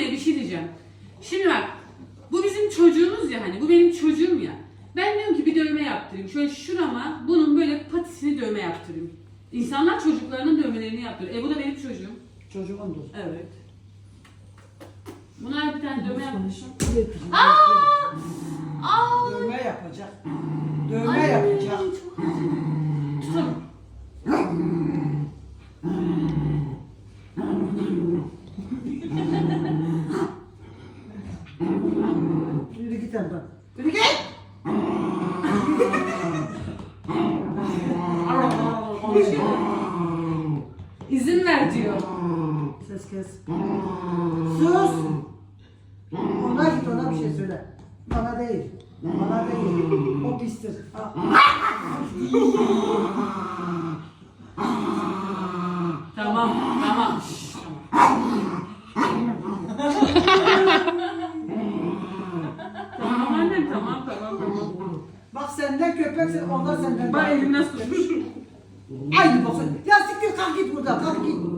anne bir şey diyeceğim. Şimdi bak, bu bizim çocuğumuz ya hani, bu benim çocuğum ya. Ben diyorum ki bir dövme yaptırayım. Şöyle şurama bunun böyle patisini dövme yaptırayım. İnsanlar çocuklarının dövmelerini yaptırıyor. Bu da benim çocuğum. Çocuğundur. Evet. Buna bir tane dövme yapmışım. Aa! Aa! Dövme yapacak. Dövme yapacak. Çok acı. Tutalım. Yürü git oradan. Yürü git. İzin ver diyor. Ses kes. Sus. Ona git, ona bir şey söyle. Bana değil. Bana değil. O pistir. Ha. Tamam, tamam. Tamam annem, tamam. Bak senden köpeksin, ondan senden. Bak elimden tutmuş. Aynı bakın. Ya siktir, kalk git buradan, kalk git.